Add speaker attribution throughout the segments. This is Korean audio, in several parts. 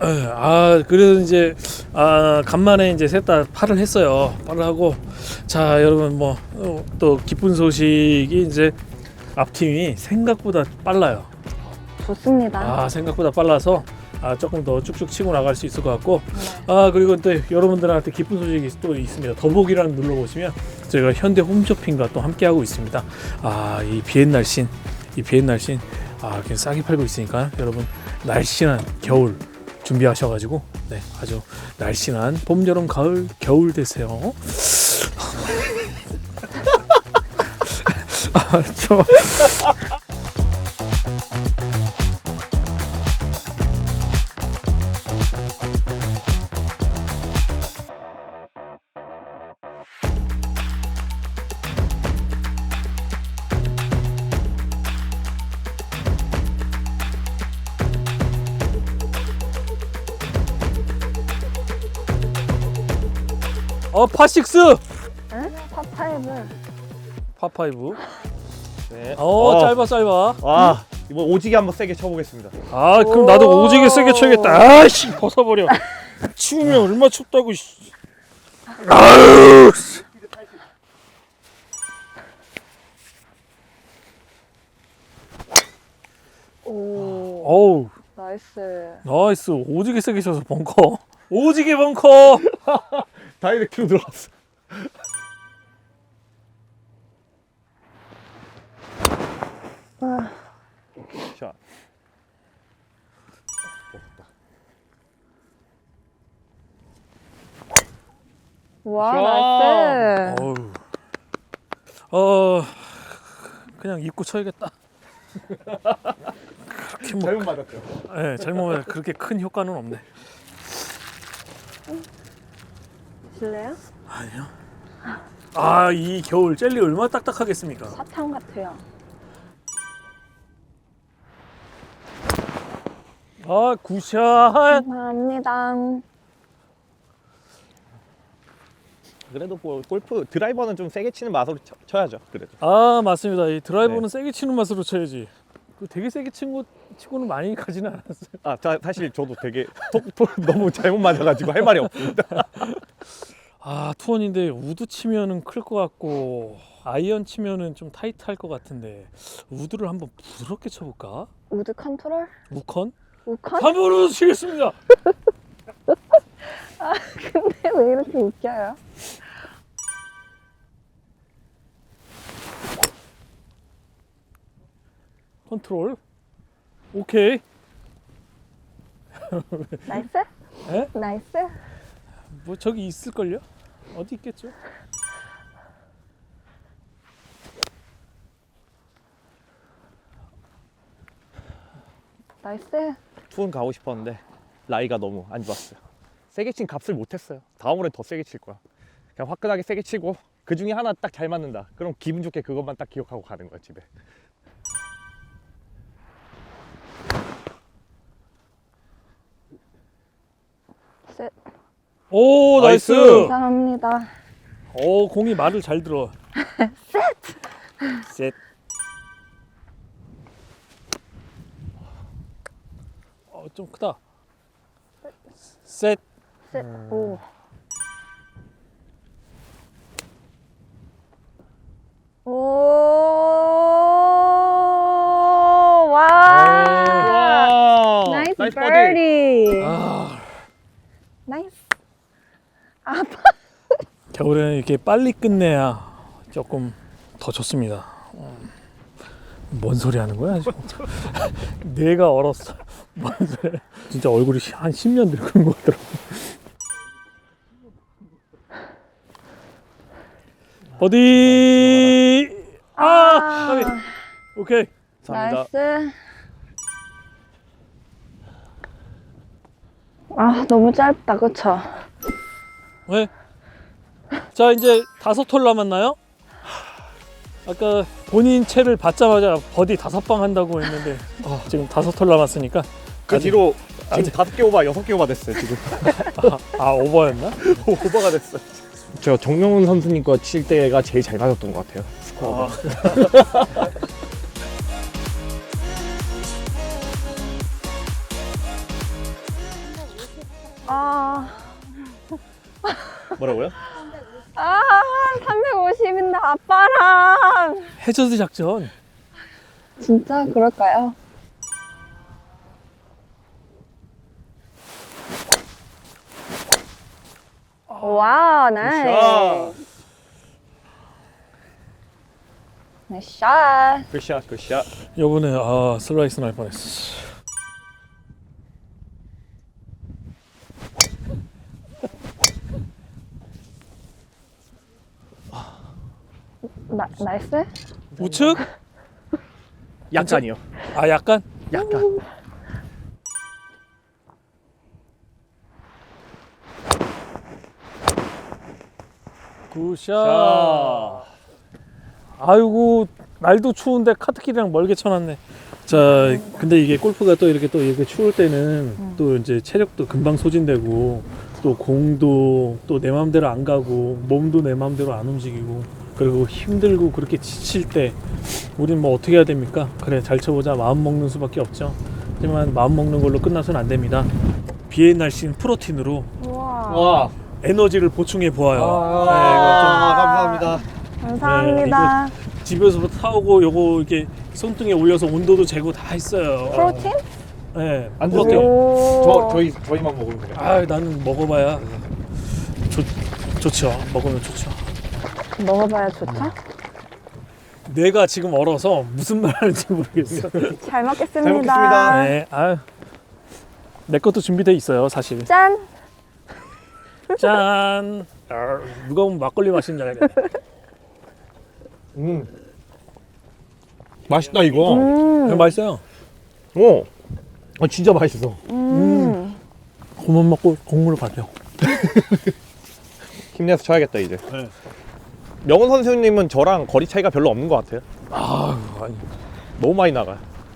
Speaker 1: 그래서 이제 간만에 이제 셋 다 팔을 했어요. 팔을 하고 자 여러분 뭐 또 기쁜 소식이 이제 앞팀이 생각보다 빨라요.
Speaker 2: 좋습니다.
Speaker 1: 생각보다 빨라서 조금 더 쭉쭉 치고 나갈 수 있을 것 같고
Speaker 2: 네.
Speaker 1: 그리고 또 여러분들한테 기쁜 소식이 또 있습니다. 더보기란 눌러보시면 저희가 현대 홈쇼핑과 또 함께 하고 있습니다. 이 비엔날씬 그냥 싸게 팔고 있으니까 여러분 날씬한 겨울 준비하셔가지고 아주 날씬한 봄, 여름, 가을, 겨울 되세요. 좋아. 파식스
Speaker 2: 응? 파5.
Speaker 1: 파5.
Speaker 3: 네.
Speaker 1: 짧아.
Speaker 3: 이번 오지게 한번 세게 쳐보겠습니다.
Speaker 1: 그럼 나도 오지게 세게 쳐야겠다. 벗어버려. 추우면 얼마 춥다고. 아유.
Speaker 2: 오. 나이스.
Speaker 1: 오지게 세게 쳐서 벙커. 오지게 벙커.
Speaker 3: 다이렉트로 들어갔어. 샷.
Speaker 2: 와, 나이스.
Speaker 1: 그냥 입고 쳐야겠다. 그렇게
Speaker 3: 잘못 맞았죠?
Speaker 1: 네, 잘못 맞아. 그렇게 큰 효과는 없네.
Speaker 2: 실래요?
Speaker 1: 아니요. 이 겨울 젤리 얼마나 딱딱하겠습니까?
Speaker 2: 사탕 같아요.
Speaker 1: 굿샷.
Speaker 2: 감사합니다.
Speaker 3: 그래도 뭐 골프 드라이버는 좀 세게 치는 맛으로 쳐야죠. 그래도.
Speaker 1: 맞습니다. 이 드라이버는
Speaker 3: 네.
Speaker 1: 세게 치는 맛으로 쳐야지. 되게 세게 친 거 치고는 많이 가지는 않았어요.
Speaker 3: 사실 저도 되게 너무 잘못 맞아가지고 할 말이 없습니다.
Speaker 1: 투원인데 우드 치면은 클 것 같고 아이언 치면은 좀 타이트할 것 같은데 우드를 한번 부드럽게 쳐볼까?
Speaker 2: 우드 컨트롤?
Speaker 1: 우컨?
Speaker 2: 우컨?
Speaker 1: 3번으로 치겠습니다.
Speaker 2: 근데 왜 이렇게 웃겨요?
Speaker 1: 컨트롤. 오케이.
Speaker 2: 나이스?
Speaker 1: 에?
Speaker 2: 나이스?
Speaker 1: 뭐 저기 있을걸요? 어디 있겠죠?
Speaker 2: 나이스?
Speaker 3: 투혼 가고 싶었는데 라이가 너무 안 좋았어요. 세게 친 값을 못했어요. 다음으로는 더 세게 칠 거야. 그냥 화끈하게 세게 치고 그 중에 하나 딱 잘 맞는다. 그럼 기분 좋게 그것만 딱 기억하고 가는 거야 집에.
Speaker 2: 셋.
Speaker 1: 오 나이스.
Speaker 2: 감사합니다.
Speaker 1: 공이 말을 잘 들어. 셋. 좀 크다. 셋.
Speaker 2: 셋. 오. 오. 와.
Speaker 3: 와.
Speaker 2: 나이스
Speaker 3: 버디.
Speaker 2: 버디. 나이스.
Speaker 1: 겨울에는 이렇게 빨리 끝내야 조금 더 좋습니다. 뭔 소리 하는 거야 지금? 내가 얼었어. 뭔 소리? 진짜 얼굴이 한 10년 늙은 것 같더라고. 버디. 오케이.
Speaker 3: 감사합니다.
Speaker 2: 나이스. 너무 짧다, 그쵸?
Speaker 1: 왜? 자 이제 5홀 남았나요? 아까 본인 채를 받자마자 버디 5방 한다고 했는데 지금 5홀 남았으니까
Speaker 3: 그
Speaker 1: 아직-
Speaker 3: 뒤로 지금
Speaker 1: 아직-
Speaker 3: 5개 오버, 6개 오버 됐어요 지금.
Speaker 1: 오버였나?
Speaker 3: 오버가 됐어. 저 정명훈 선수님 거 칠 때가 제일 잘 맞았던 것 같아요. 스코어가.
Speaker 2: 아,
Speaker 3: 뭐라고요?
Speaker 2: 350인데 아빠랑.
Speaker 1: 해저드 작전.
Speaker 2: 진짜 그럴까요? 와, 나이스. 나이스 샷.
Speaker 3: 굿샷 굿샷.
Speaker 1: 요번에 슬라이스 날 뻔했어.
Speaker 2: 나이스?
Speaker 1: 우측?
Speaker 3: 약간이요.
Speaker 1: 아 약간?
Speaker 3: 약간.
Speaker 1: 굿샷.
Speaker 3: 자.
Speaker 1: 아이고 날도 추운데 카트길이랑 멀게 쳐놨네. 자, 근데 이게 골프가 또 이렇게 추울 때는 또 이제 체력도 금방 소진되고 또 공도 또 내 마음대로 안 가고 몸도 내 마음대로 안 움직이고 그리고 힘들고 그렇게 지칠 때 우린 뭐 어떻게 해야 됩니까? 그래 잘 쳐보자 마음 먹는 수밖에 없죠. 하지만 마음 먹는 걸로 끝나서는 안 됩니다. 비의 날씬 프로틴으로
Speaker 2: 우와.
Speaker 3: 와.
Speaker 1: 에너지를 보충해 보아요.
Speaker 3: 감사합니다.
Speaker 2: 감사합니다.
Speaker 1: 집에서부터 사오고 요거 이렇게 손등에 올려서 온도도 재고 다 했어요.
Speaker 2: 프로틴?
Speaker 1: 네.
Speaker 3: 안
Speaker 1: 프로틴.
Speaker 3: 드세요?
Speaker 2: 오.
Speaker 3: 저희만 먹으면 돼요.
Speaker 1: 아, 나는 먹어봐야 좋죠. 먹으면 좋죠.
Speaker 2: 먹어봐야 좋죠?
Speaker 1: 뇌가 지금 얼어서 무슨 말 하는지 모르겠어.
Speaker 2: 잘 먹겠습니다.
Speaker 3: 잘 먹겠습니다.
Speaker 1: 네, 아유. 내 것도 준비돼 있어요, 사실.
Speaker 2: 짠!
Speaker 1: 짠. 누가 보면 막걸리 마시는 줄 알겠네.
Speaker 3: 맛있다 이거.
Speaker 1: 맛있어요.
Speaker 3: 오. 진짜 맛있어.
Speaker 1: 그만 먹고 공무를 가죠.
Speaker 3: 힘내서 쳐야겠다 이제.
Speaker 1: 네.
Speaker 3: 명훈 선수님은 저랑 거리 차이가 별로 없는 것 같아요.
Speaker 1: 아니.
Speaker 3: 너무 많이 나가요.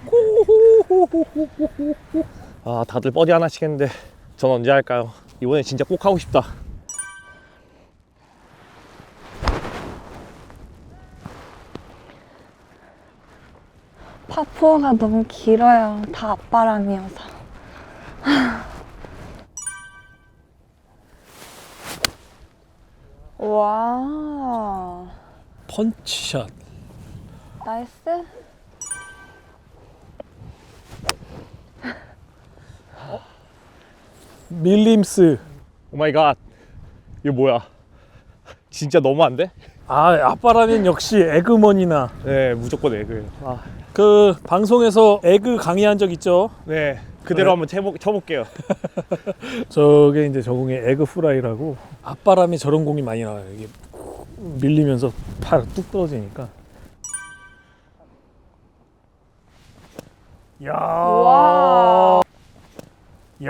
Speaker 3: 다들 버디 하나 치겠는데 전 언제 할까요? 이번에 진짜 꼭 하고 싶다.
Speaker 2: 파포가 너무 길어요. 다 앞바람이어서. 와,
Speaker 1: 펀치샷.
Speaker 2: 나이스.
Speaker 1: 밀림스.
Speaker 3: 오 마이 갓. 이거 뭐야? 진짜 너무한데?
Speaker 1: 앞바라면 역시 에그머니나.
Speaker 3: 네, 무조건 에그예요.
Speaker 1: 그 방송에서 에그 강의한 적 있죠?
Speaker 3: 네, 그대로
Speaker 1: 네.
Speaker 3: 한번 쳐볼게요.
Speaker 1: 저게 이제 저공의 에그 프라이라고 앞바람에 저런 공이 많이 나와요. 이게 밀리면서 팔 뚝 떨어지니까. 야.
Speaker 2: 와.
Speaker 1: 야.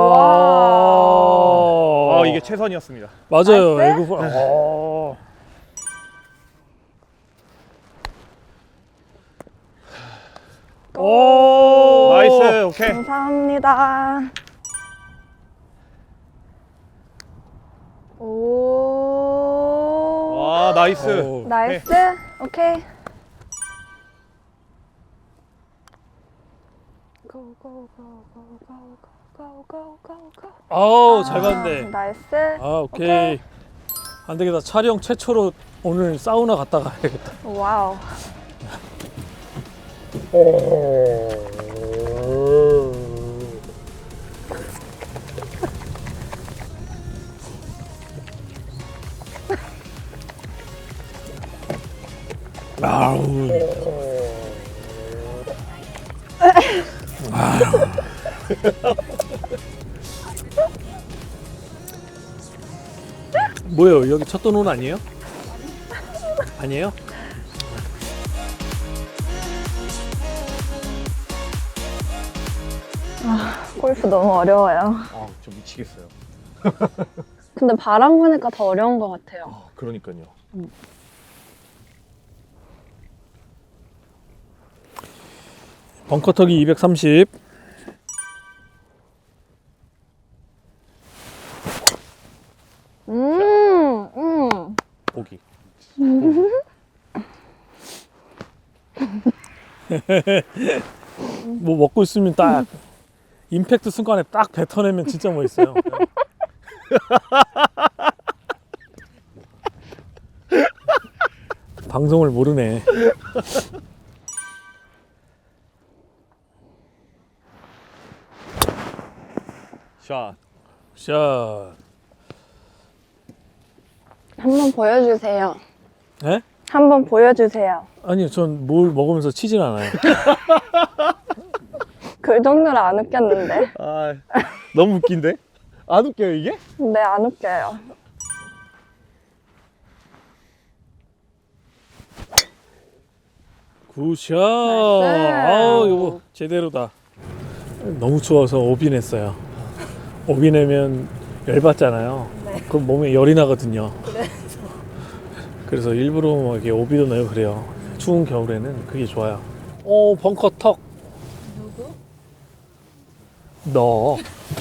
Speaker 2: 와.
Speaker 3: 이게 최선이었습니다.
Speaker 1: 맞아요.
Speaker 2: 나이스?
Speaker 1: 에그 프라이. 오.
Speaker 3: 나이스, 오케이.
Speaker 2: 감사합니다. 오.
Speaker 3: 와, 나이스.
Speaker 1: 오.
Speaker 2: 나이스. 오케이. Go, go, go, go, go, go, go, go, go.
Speaker 1: 아우 잘 봤네.
Speaker 2: 나이스.
Speaker 1: 오케이. 안 되겠다. 촬영 최초로 오늘 사우나 갔다 가야겠다.
Speaker 2: 와우.
Speaker 1: 아우. 뭐예요? 여기 첫 돈은 아니에요? 아니에요?
Speaker 2: 골프 너무 어려워요.
Speaker 3: 저 미치겠어요.
Speaker 2: 근데 바람 부니까 더 어려운 것 같아요.
Speaker 3: 그러니까요.
Speaker 1: 벙커 터기 230.
Speaker 3: 보기.
Speaker 1: 뭐 먹고 있으면 딱 임팩트 순간에 딱 뱉어내면 진짜 멋있어요. 방송을 모르네.
Speaker 3: 샷.
Speaker 1: 샷.
Speaker 2: 한번 보여주세요.
Speaker 1: 네?
Speaker 2: 한번 보여주세요.
Speaker 1: 아니요, 전 뭘 먹으면서 치진 않아요.
Speaker 2: 그 정도로 안 웃겼는데.
Speaker 3: 아, 너무 웃긴데? 안 웃겨요 이게?
Speaker 2: 네, 안 웃겨요.
Speaker 1: 굿샷.
Speaker 2: 나이스.
Speaker 1: 아우, 이거 제대로다. 너무 추워서 오비냈어요. 오비내면 열받잖아요.
Speaker 2: 네.
Speaker 1: 그럼 몸에 열이 나거든요. 그래서 일부러 뭐 이렇게 오비도 내고 그래요. 추운 겨울에는 그게 좋아요. 오, 벙커 턱.
Speaker 2: 누구?
Speaker 1: 너.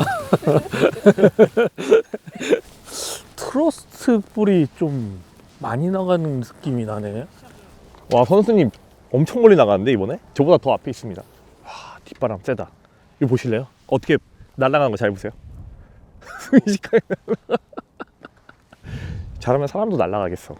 Speaker 1: 트러스트 볼이 좀 많이 나가는 느낌이 나네.
Speaker 3: 와, 선수님 엄청 멀리 나가는데 이번에? 저보다 더 앞에 있습니다. 와, 뒷바람 세다. 이거 보실래요? 어떻게 날아가는 거 잘 보세요. 순식간에 잘하면 사람도 날아가겠어.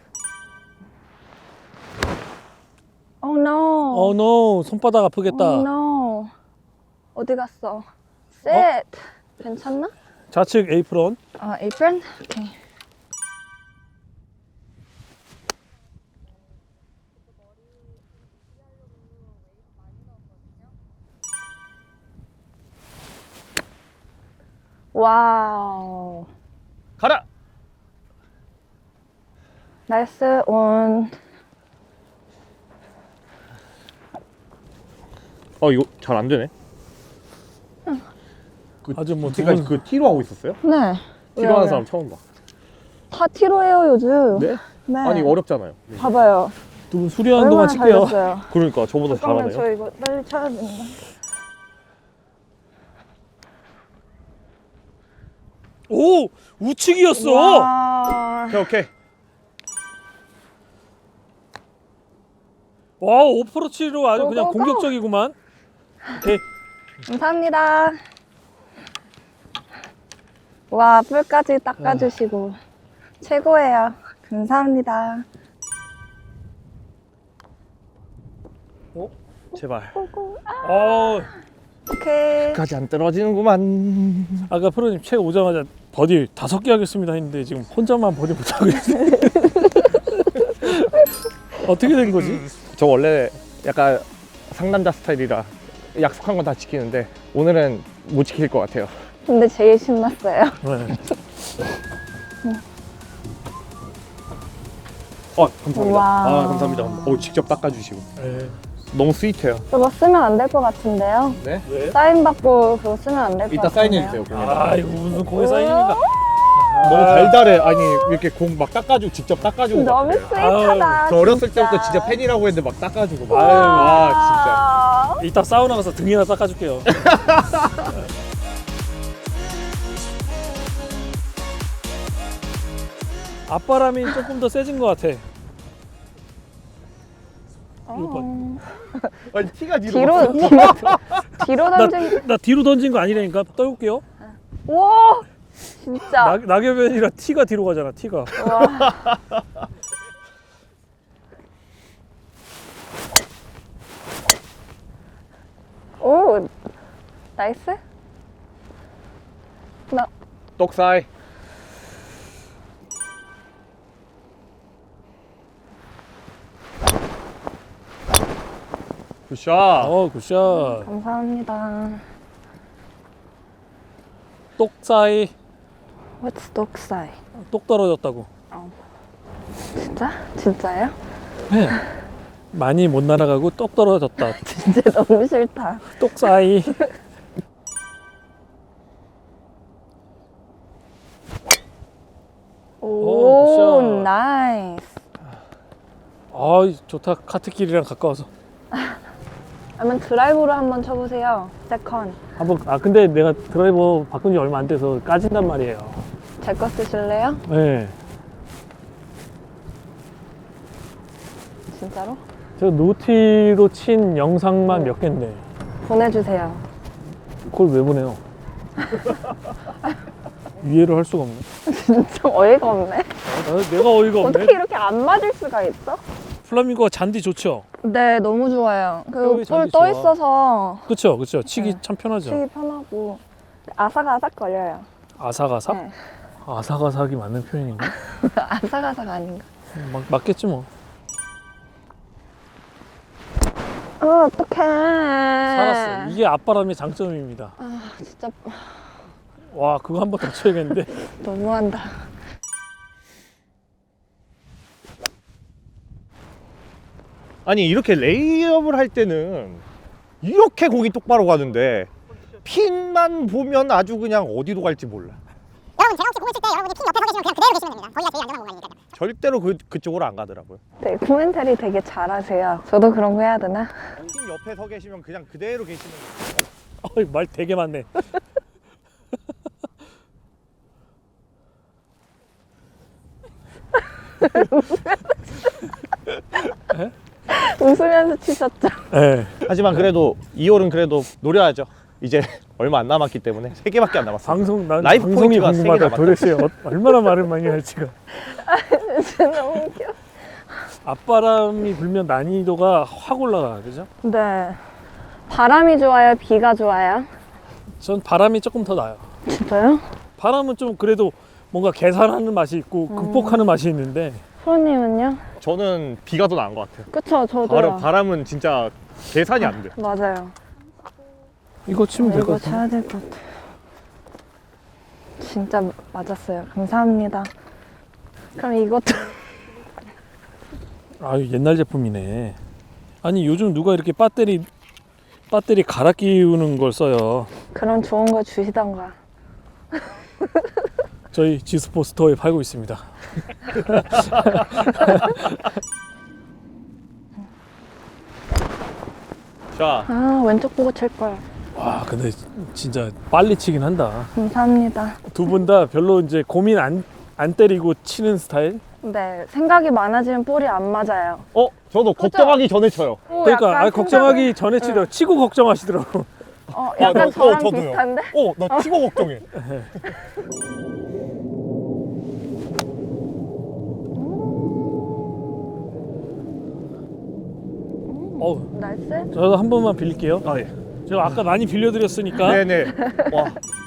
Speaker 2: Oh no.
Speaker 1: 어, 노. 손바닥 아프겠다.
Speaker 2: Oh no. 어디 갔어? 셋. 괜찮나?
Speaker 1: 좌측 에이프론.
Speaker 2: apron? 오케이. 와우.
Speaker 3: 가라!
Speaker 2: 나이스 온.
Speaker 3: 이거 잘 안 되네.
Speaker 1: 아주 뭐
Speaker 3: 지금까지
Speaker 1: 두 분-
Speaker 3: 그 T로 하고 있었어요?
Speaker 2: 네.
Speaker 3: T로 하는 사람 처음 봐.
Speaker 2: 다 티로 해요 요즘.
Speaker 3: 네?
Speaker 2: 네.
Speaker 3: 아니 어렵잖아요.
Speaker 2: 봐봐요.
Speaker 1: 두 분 수리하는 동안
Speaker 2: 얼마나
Speaker 1: 칠게요.
Speaker 2: 잘했어요.
Speaker 3: 그러니까 저보다
Speaker 2: 잠깐만
Speaker 3: 잘하네요.
Speaker 2: 저 이거 빨리 쳐야 된다.
Speaker 1: 오! 우측이었어!
Speaker 2: 와.
Speaker 3: 오케이.
Speaker 1: 와, 오프로치로 아주 그냥
Speaker 2: 고고고.
Speaker 1: 공격적이구만. 오케이.
Speaker 2: 감사합니다. 와, 뿔까지 닦아주시고 최고예요. 감사합니다.
Speaker 3: 제발.
Speaker 1: 어,
Speaker 2: 오케이.
Speaker 3: 끝까지 안 떨어지는구만.
Speaker 1: 아까 프로님 책 오자마자 버디 5개 하겠습니다 했는데 지금 혼자만 버디 못하고 있어요. 어떻게 된 거지?
Speaker 3: 저 원래 약간 상남자 스타일이라 약속한 건 다 지키는데 오늘은 못 지킬 것 같아요.
Speaker 2: 근데 제일 신났어요.
Speaker 1: 네.
Speaker 3: 감사합니다.
Speaker 2: 와우.
Speaker 3: 감사합니다. 직접 닦아주시고
Speaker 1: 네.
Speaker 3: 너무 스윗해요.
Speaker 2: 그거 쓰면 안 될 것 같은데요.
Speaker 3: 네?
Speaker 1: 왜?
Speaker 2: 사인 받고 그거 쓰면 안 될 것
Speaker 3: 이따
Speaker 2: 같은데요.
Speaker 3: 사인해주세요. 공에다.
Speaker 1: 아, 이거 무슨 공의 사인입니까?
Speaker 3: 너무 달달해. 아니 이렇게 공 막 닦아주고 직접 닦아주고.
Speaker 2: 너무
Speaker 3: 막 그래요.
Speaker 2: 스윗하다.
Speaker 3: 저 어렸을
Speaker 2: 진짜.
Speaker 3: 때부터 진짜 팬이라고 했는데 막 닦아주고. 막.
Speaker 1: 아유,
Speaker 3: 와
Speaker 1: 이따 사우나 가서 등이나 닦아줄게요. 앞바람이 조금 더 세진 것 같아.
Speaker 2: 어.
Speaker 3: 진짜. 아니 티가
Speaker 2: 뒤로 던진.
Speaker 1: 나 뒤로 던진 거 아니라니까. 떠올게요.
Speaker 2: 와, 진짜.
Speaker 1: 낙엽이 아니라 티가 뒤로 가잖아. 티가.
Speaker 2: 와. 오, 나이스. 나
Speaker 3: 똑사이. 굿샷.
Speaker 1: 굿샷.
Speaker 2: 감사합니다.
Speaker 1: 똑 사이.
Speaker 2: What's 독사이?
Speaker 1: 똑 떨어졌다고.
Speaker 2: 진짜? 진짜예요?
Speaker 1: 네. 많이 못 날아가고 똑 떨어졌다.
Speaker 2: 진짜 너무 싫다.
Speaker 1: 똑 사이.
Speaker 2: 오,
Speaker 1: 굿샷.
Speaker 2: 나이스.
Speaker 1: 아, 좋다. 카트길이랑 가까워서.
Speaker 2: 그러면 드라이브로 한번 쳐보세요. 세컨.
Speaker 1: 한번 근데 내가 드라이버 바꾼 지 얼마 안 돼서 까진단 말이에요.
Speaker 2: 제 거 쓰실래요?
Speaker 1: 네. 그걸 왜 보내요? 이해를 할 수가 없네.
Speaker 2: 진짜 어이가 없네.
Speaker 1: 내가 어이가 없네.
Speaker 2: 어떻게 이렇게 안 맞을 수가 있어?
Speaker 1: 플라밍고가 잔디 좋죠?
Speaker 2: 네, 너무 좋아요. 그
Speaker 1: 뼈에 잔디
Speaker 2: 볼 떠
Speaker 1: 좋아.
Speaker 2: 있어서
Speaker 1: 그쵸, 그쵸. 치기
Speaker 2: 네.
Speaker 1: 참 편하죠.
Speaker 2: 치기 편하고 아삭아삭 거려요.
Speaker 1: 아삭아삭?
Speaker 2: 네.
Speaker 1: 아삭아삭이 맞는 표현인가?
Speaker 2: 아삭아삭 아닌가?
Speaker 1: 맞겠지 뭐.
Speaker 2: 어떡해.
Speaker 1: 살았어. 이게 앞바람의 장점입니다.
Speaker 2: 아, 진짜
Speaker 1: 와, 그거 한 번 더 쳐야겠는데.
Speaker 2: 너무한다.
Speaker 3: 아니 이렇게 레이업을 할 때는 이렇게 공이 똑바로 가는데 핀만 보면 아주 그냥 어디로 갈지 몰라.
Speaker 4: 여러분 제가 혹시 공을 칠 때 여러분이 핀 옆에 서 계시면 그냥 그대로 계시면 됩니다. 거기가 제일 안전한 공간이니까요.
Speaker 3: 절대로 그쪽으로 안 가더라고요.
Speaker 2: 네, 코멘터리 되게 잘하세요. 저도 그런 거 해야 되나?
Speaker 3: 핀 옆에 서 계시면 그냥 그대로 계시면 돼요.
Speaker 1: 어이, 말 되게 많네.
Speaker 2: 웃으면서 치셨죠?
Speaker 1: 네.
Speaker 3: 하지만 그래도 2홀은 그래도 노려야죠. 이제 얼마 안 남았기 때문에 3개밖에 안 남았어요.
Speaker 1: 난
Speaker 3: 라이프
Speaker 1: 방송이
Speaker 3: 포인트가 세
Speaker 1: 궁금하다.
Speaker 3: 개가
Speaker 1: 도대체 얼마나 말을 많이 할지가.
Speaker 2: 진짜 너무 웃겨.
Speaker 1: 앞바람이 불면 난이도가 확 올라가, 그죠?
Speaker 2: 네. 바람이 좋아요? 비가 좋아요?
Speaker 1: 전 바람이 조금 더 나아요.
Speaker 2: 진짜요?
Speaker 1: 바람은 좀 그래도 뭔가 계산하는 맛이 있고 극복하는 맛이 있는데
Speaker 2: 프로님은요?
Speaker 3: 저는 비가 더 나은 것 같아요.
Speaker 2: 그쵸, 저도요.
Speaker 3: 바람은 진짜 계산이 안 돼.
Speaker 2: 맞아요.
Speaker 1: 이거 치면 될 것
Speaker 2: 이거
Speaker 1: 같아.
Speaker 2: 쳐야 될 것 같아요. 진짜 맞았어요. 감사합니다. 그럼 이것도
Speaker 1: 아, 옛날 제품이네. 아니 요즘 누가 이렇게 배터리 갈아 끼우는 걸 써요.
Speaker 2: 그런 좋은 거 주시던가.
Speaker 1: 저희 지스포 스토어에 팔고 있습니다.
Speaker 3: 자,
Speaker 2: 아, 왼쪽 보고 칠 걸.
Speaker 1: 와, 근데 진짜 빨리 치긴 한다.
Speaker 2: 감사합니다.
Speaker 1: 두 분 다 별로 이제 고민 안 때리고 치는 스타일?
Speaker 2: 네, 생각이 많아지면 볼이 안 맞아요.
Speaker 3: 저도 걱정하기 전에 쳐요.
Speaker 2: 오,
Speaker 1: 그러니까
Speaker 2: 약간
Speaker 1: 걱정하기 전에 치더라고. 치고 걱정하시더라고.
Speaker 2: 약간 저랑
Speaker 3: 저도요.
Speaker 2: 비슷한데?
Speaker 3: 나 치고 걱정해.
Speaker 1: 어우,
Speaker 2: 나이스?
Speaker 1: 저도 한 번만 빌릴게요.
Speaker 3: 아 예.
Speaker 1: 제가 아까 많이 빌려드렸으니까.
Speaker 3: 네네. 와.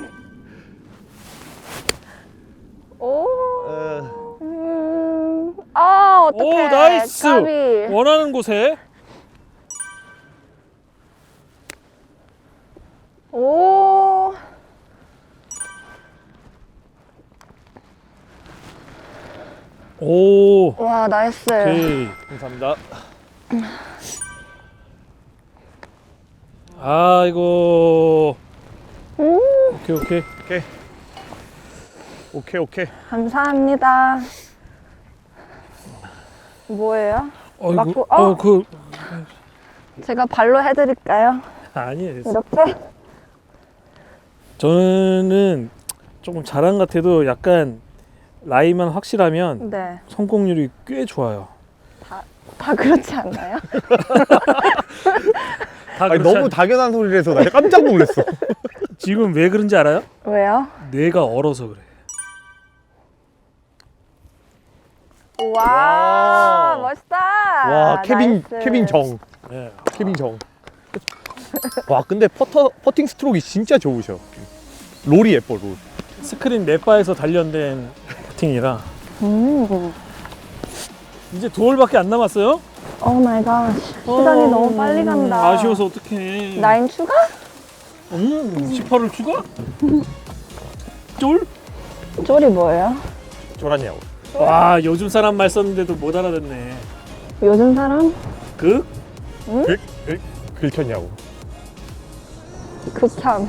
Speaker 2: 오.
Speaker 3: 어,
Speaker 2: 어떡해.
Speaker 1: 오, 나이스.
Speaker 2: 까비.
Speaker 1: 원하는 곳에.
Speaker 2: 오.
Speaker 1: 오.
Speaker 2: 와, 나이스.
Speaker 1: 오케이.
Speaker 3: 감사합니다.
Speaker 1: 아이고.
Speaker 2: 오.
Speaker 1: 오케이, 오케이.
Speaker 3: 오케이.
Speaker 2: 감사합니다. 뭐예요? 맞고, 제가 발로 해드릴까요?
Speaker 1: 아니에요.
Speaker 2: 이렇게?
Speaker 1: 저는 조금 자랑 같아도 약간 라이만 확실하면
Speaker 2: 네.
Speaker 1: 성공률이 꽤 좋아요.
Speaker 2: 다 그렇지 않나요?
Speaker 1: 다
Speaker 3: 아니,
Speaker 1: 그렇지
Speaker 3: 너무 당연한 소리를 해서 나 깜짝 놀랐어.
Speaker 1: 지금 왜 그런지 알아요?
Speaker 2: 왜요?
Speaker 1: 뇌가 얼어서 그래.
Speaker 2: 와,
Speaker 3: 와.
Speaker 2: 멋있다.
Speaker 3: 와, 케빈
Speaker 2: 나이스.
Speaker 3: 정.
Speaker 1: 네.
Speaker 3: 케빈 정. 와, 근데 퍼팅 스트로크가 진짜 좋으셔. 롤이 예뻐, 롤.
Speaker 1: 스크린 넷바에서 단련된 퍼팅이라 이제 두 홀밖에 안 남았어요?
Speaker 2: 오 마이 갓. 시간이 너무 빨리 간다.
Speaker 1: 아쉬워서 어떡해.
Speaker 2: 9 추가?
Speaker 1: 18을 추가? 쫄?
Speaker 2: 쫄이 뭐예요?
Speaker 3: 쫄았냐고.
Speaker 1: 와, 요즘 사람 말 썼는데도 못 알아듣네.
Speaker 2: 요즘 사람?
Speaker 3: 긁혔냐고.
Speaker 2: 극참.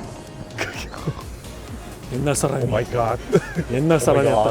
Speaker 1: 옛날
Speaker 3: 오
Speaker 1: 사람이.
Speaker 3: 마이 갓.
Speaker 1: 옛날 사람이었다.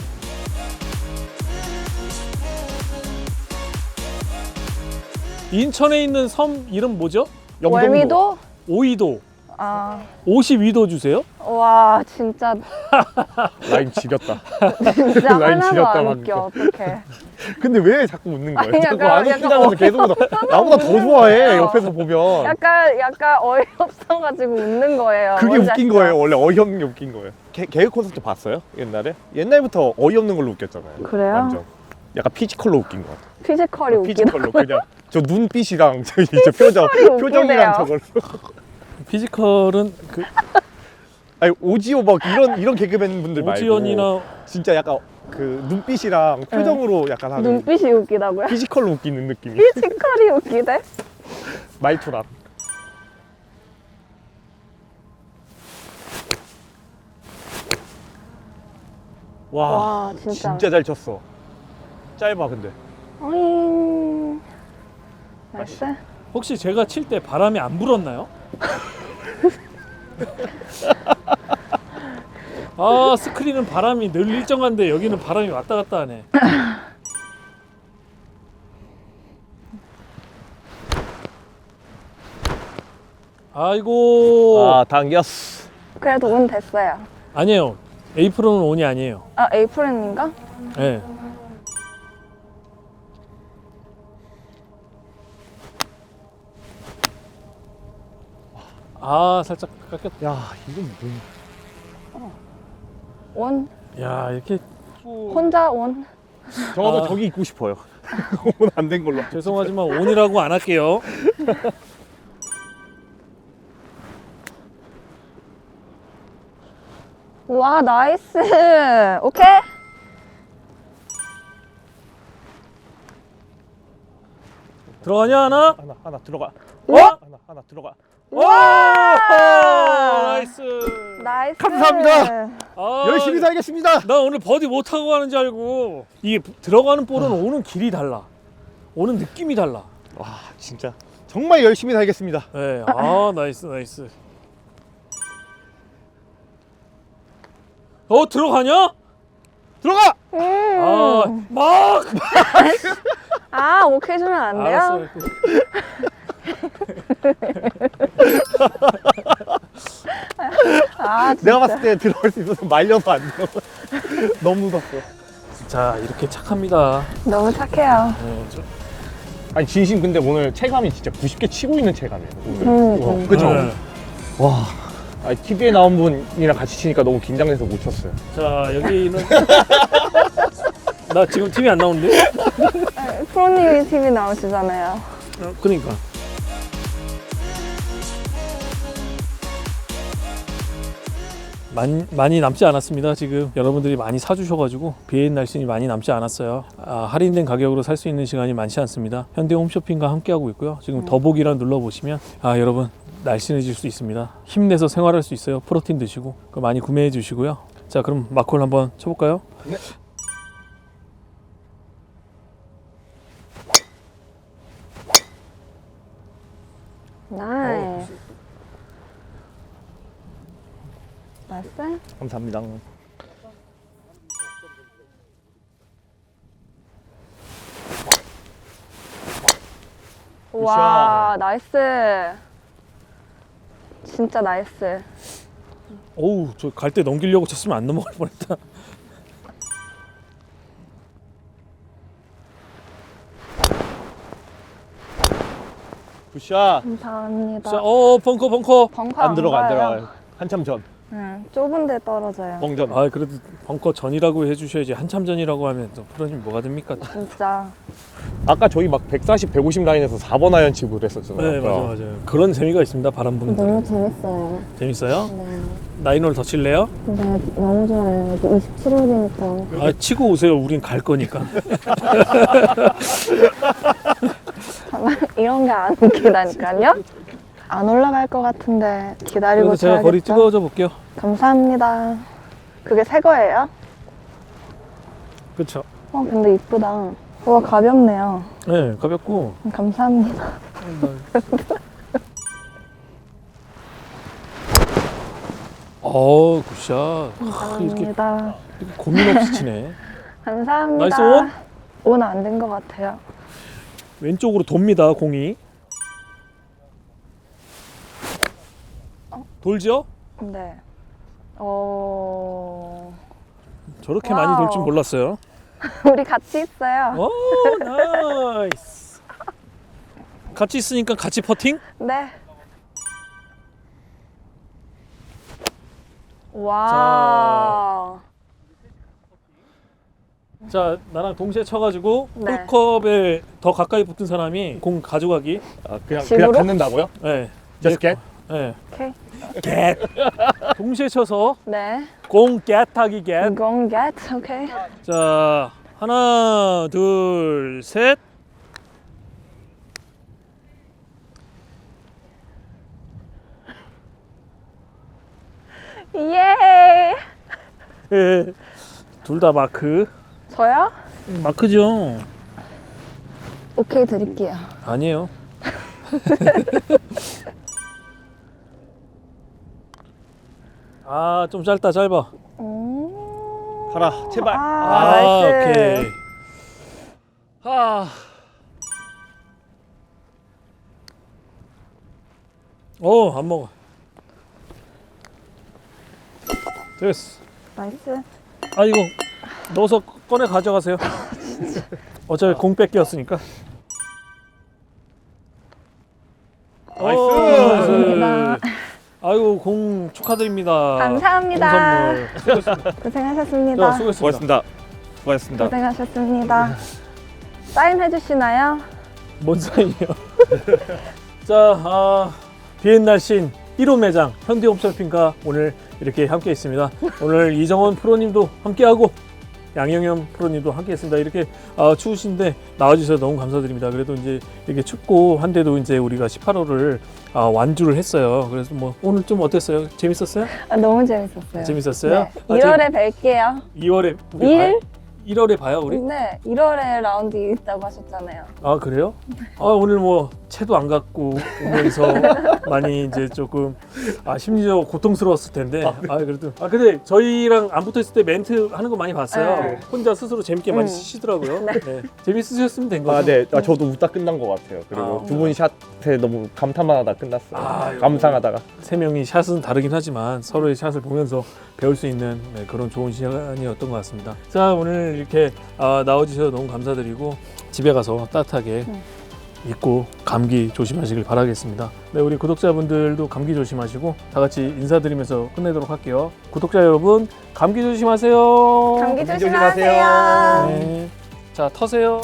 Speaker 1: 인천에 있는 섬 이름 뭐죠?
Speaker 2: 월미도?
Speaker 1: 오이도.
Speaker 2: 아,
Speaker 1: 52도 주세요?
Speaker 2: 와, 진짜
Speaker 3: 라인 지렸다.
Speaker 2: 진짜
Speaker 3: 라인
Speaker 2: 하나도
Speaker 3: 지렸다,
Speaker 2: 안
Speaker 3: 방금.
Speaker 2: 웃겨. 어떡해.
Speaker 3: 근데 왜 자꾸 웃는 거예요?
Speaker 2: 아니,
Speaker 3: 자꾸
Speaker 2: 약간-
Speaker 3: 안 웃기다면서 계속 나보다 더 좋아해 옆에서 보면.
Speaker 2: 약간 어이없어가지고 웃는 거예요.
Speaker 3: 그게
Speaker 2: 뭔지
Speaker 3: 웃긴
Speaker 2: 아시죠?
Speaker 3: 거예요. 원래 어이없는 게 웃긴 거예요. 개그 콘서트 봤어요? 옛날에? 옛날부터 어이없는 걸로 웃겼잖아요.
Speaker 2: 그래요?
Speaker 3: 완전. 약간 피지컬로 웃긴 거 같아.
Speaker 2: 피지컬이 웃기다.
Speaker 3: 피지컬로 그냥 저 눈빛이랑 저 이제 표정이랑
Speaker 2: 웃기네요.
Speaker 3: 저걸.
Speaker 1: 피지컬은 그
Speaker 3: 아니 오지오 막 이런 개그맨 분들 말고
Speaker 1: 오지연이나
Speaker 3: 진짜 약간 그 눈빛이랑 표정으로 약간 하는
Speaker 2: 눈빛이 웃기다고요?
Speaker 3: 피지컬로 웃기는 느낌이.
Speaker 2: 피지컬이 웃기대?
Speaker 3: 말투랑.
Speaker 2: 와, 진짜.
Speaker 3: 진짜 잘 쳤어. 짧아 근데.
Speaker 2: 어잉. 나이스.
Speaker 1: 혹시 제가 칠 때 바람이 안 불었나요? 아 스크린은 바람이 늘 일정한데 여기는 바람이 왔다 갔다 하네. 아이고
Speaker 3: 아 당겼어.
Speaker 2: 그래도 운 됐어요.
Speaker 1: 아니에요. 에이프론은 온이 아니에요.
Speaker 2: 아, 에이프렌인가?
Speaker 1: 예. 아 살짝 깎였다.
Speaker 3: 야 이건 뭐?
Speaker 2: 온?
Speaker 1: 야 이렇게
Speaker 2: 혼자 온?
Speaker 3: 저도
Speaker 1: 아.
Speaker 3: 저기 있고 싶어요. 오늘 안 된 걸로.
Speaker 1: 죄송하지만 온이라고 안 할게요.
Speaker 2: 와, 나이스. 오케이?
Speaker 1: 들어가냐 하나?
Speaker 3: 하나 들어가.
Speaker 1: 와!
Speaker 3: 하나 들어가.
Speaker 1: 와! 나이스.
Speaker 2: 나이스.
Speaker 3: 감사합니다.
Speaker 1: 아,
Speaker 3: 열심히 살겠습니다.
Speaker 1: 나 오늘 버디 못 하고 가는 줄 알고 이게 들어가는 볼은 오는 길이 달라. 오는 느낌이 달라.
Speaker 3: 와 진짜 정말 열심히 살겠습니다.
Speaker 1: 네. 아 나이스 나이스. 들어가냐?
Speaker 3: 들어가.
Speaker 1: 막.
Speaker 2: 아, 오케이 주면 안 돼요?
Speaker 1: 알았어.
Speaker 2: 아, 진짜.
Speaker 3: 내가 봤을 때 들어갈 수 있어서 말려서 안 들어. 너무 무섭어.
Speaker 1: 자 이렇게 착합니다.
Speaker 2: 너무 착해요.
Speaker 1: 네,
Speaker 3: 아니 진심 근데 오늘 체감이 진짜 90개 치고 있는 체감이에요. 오늘.
Speaker 2: 그죠?
Speaker 3: 그죠? 와. 아니, TV에 나온 분이랑 같이 치니까 너무 긴장돼서 못 쳤어요.
Speaker 1: 자 여기는 나 지금 TV 안 나오는데?
Speaker 2: 프로님이 TV 나오시잖아요.
Speaker 1: 그러니까. 많이 남지 않았습니다. 지금 여러분들이 많이 사주셔가지고 비엔 날씬이 많이 남지 않았어요. 할인된 가격으로 살 수 있는 시간이 많지 않습니다. 현대 홈쇼핑과 함께하고 있고요. 지금 더보기란 눌러보시면 여러분 날씬해질 수 있습니다. 힘내서 생활할 수 있어요. 프로틴 드시고 그거 많이 구매해 주시고요. 자 그럼 마콜 한번 쳐볼까요?
Speaker 3: 네.
Speaker 2: 나이스. 나이스.
Speaker 3: 감사합니다.
Speaker 2: 와, 나이스. 진짜 나이스.
Speaker 1: 어우 저 갈 때 넘기려고 쳤으면 안 넘어갈 뻔했다.
Speaker 3: 굿샷.
Speaker 2: 감사합니다.
Speaker 1: 자, 벙커.
Speaker 2: 벙커
Speaker 3: 안 들어가 안
Speaker 2: 가요.
Speaker 3: 들어가요. 한참 전.
Speaker 2: 좁은 데 떨어져요.
Speaker 3: 뻥전.
Speaker 1: 그래도 벙커 전이라고 해주셔야지. 한참 전이라고 하면 또 프로님 뭐가 됩니까?
Speaker 2: 진짜.
Speaker 3: 아까 저희 막 140, 150 라인에서 4번 아이언 치고 그랬었잖아요.
Speaker 1: 네 맞아요. 그런 재미가 있습니다. 바람 부는 데.
Speaker 2: 너무 재밌어요.
Speaker 1: 재밌어요?
Speaker 2: 네.
Speaker 1: 나인홀 더 칠래요?
Speaker 2: 근데 너무 좋아요. 27월이니까.
Speaker 1: 치고 오세요. 우린 갈 거니까.
Speaker 2: 이런 게 안 웃기다니까요? 안 올라갈 것 같은데 기다리고
Speaker 1: 그래서 제가 거리
Speaker 2: 쳐야겠죠?
Speaker 1: 찍어줘 볼게요.
Speaker 2: 감사합니다. 그게 새 거예요?
Speaker 1: 그렇죠.
Speaker 2: 근데 이쁘다. 와, 가볍네요.
Speaker 1: 네 가볍고.
Speaker 2: 감사합니다.
Speaker 1: 굿샷. 이렇게
Speaker 2: 감사합니다.
Speaker 1: 고민 없이 치네.
Speaker 2: 감사합니다.
Speaker 1: 나이스 온?
Speaker 2: 온 안 된 것 같아요.
Speaker 1: 왼쪽으로 돕니다. 공이. 돌죠?
Speaker 2: 네.
Speaker 1: 저렇게
Speaker 2: 와우.
Speaker 1: 많이 돌 줄 몰랐어요.
Speaker 2: 우리 같이 있어요.
Speaker 1: 오, 나이스. 같이 있으니까 같이 퍼팅?
Speaker 2: 네. 와.
Speaker 1: 자, 나랑 동시에 쳐가지고
Speaker 2: 네.
Speaker 1: 홀컵에 더 가까이 붙은 사람이 공 가져가기.
Speaker 3: 아, 그냥
Speaker 2: 집으로?
Speaker 3: 갖는다고요?
Speaker 1: 네.
Speaker 3: Just get?
Speaker 1: 네.
Speaker 2: 오케이.
Speaker 1: 겟. 동시에 쳐서
Speaker 2: 네.
Speaker 1: 공 겟하기 겟.
Speaker 2: 공 get. 오케이.
Speaker 1: 자, 하나, 둘, 셋.
Speaker 2: 예.
Speaker 1: 둘 다 마크.
Speaker 2: 저요?
Speaker 1: 마크죠.
Speaker 2: 오케이 드릴게요.
Speaker 1: 아니에요. 아, 좀 짧다, 짧아.
Speaker 3: 가라, 제발.
Speaker 2: 아, 나이스.
Speaker 1: 오케이. 안 먹어. 됐어.
Speaker 2: 나이스.
Speaker 1: 아, 이거 넣어서 꺼내 가져가세요. 어차피 공 뺏겼으니까.
Speaker 3: 나이스.
Speaker 2: 감사합니다.
Speaker 1: 아이고, 공 축하드립니다.
Speaker 2: 감사합니다.
Speaker 1: 공 선물. 수고했습니다.
Speaker 2: 고생하셨습니다.
Speaker 1: 자, 수고했습니다.
Speaker 3: 수고하셨습니다. 수고하셨습니다.
Speaker 2: 고생하셨습니다. 사인 해주시나요?
Speaker 1: 뭔 사이에요? 자, 비엔날신 1호 매장 현대홈쇼핑과 오늘 이렇게 함께 있습니다. 오늘 이정원 프로님도 함께하고 양영현 프로님도 함께했습니다. 이렇게 추우신데 나와주셔서 너무 감사드립니다. 그래도 이제 이렇게 춥고 한데도 이제 우리가 18호를 완주를 했어요. 그래서 뭐 오늘 좀 어땠어요? 재밌었어요?
Speaker 2: 아, 너무 재밌었어요.
Speaker 1: 재밌었어요?
Speaker 2: 네. 2월에 뵐게요.
Speaker 1: 2월에 우리
Speaker 2: 1일?
Speaker 1: 1월에 봐요 우리?
Speaker 2: 네, 1월에 라운드 있다고 하셨잖아요.
Speaker 1: 아 그래요? 오늘 뭐 채도 안 갖고 오면서 많이 이제 조금 심리적으로 고통스러웠을 텐데 그래도 근데 저희랑 안 붙어 있을 때 멘트 하는 거 많이 봤어요.
Speaker 2: 네.
Speaker 1: 혼자 스스로 재밌게 많이 치시더라고요. 네. 재밌으셨으면 된 거죠.
Speaker 3: 아, 네. 저도 웃다 끝난 것 같아요. 그리고 두 분 샷에 너무 감탄만 하다 끝났어요. 감상하다가.
Speaker 1: 세 명이 샷은 다르긴 하지만 서로의 샷을 보면서 배울 수 있는 그런 좋은 시간이었던 것 같습니다. 자, 오늘 이렇게 나와주셔서 너무 감사드리고 집에 가서 따뜻하게 입고 감기 조심하시길 바라겠습니다. 네, 우리 구독자분들도 감기 조심하시고 다 같이 인사드리면서 끝내도록 할게요. 구독자 여러분, 감기 조심하세요.
Speaker 2: 감기
Speaker 3: 조심하세요.
Speaker 2: 조심하세요.
Speaker 1: 네. 자, 터세요.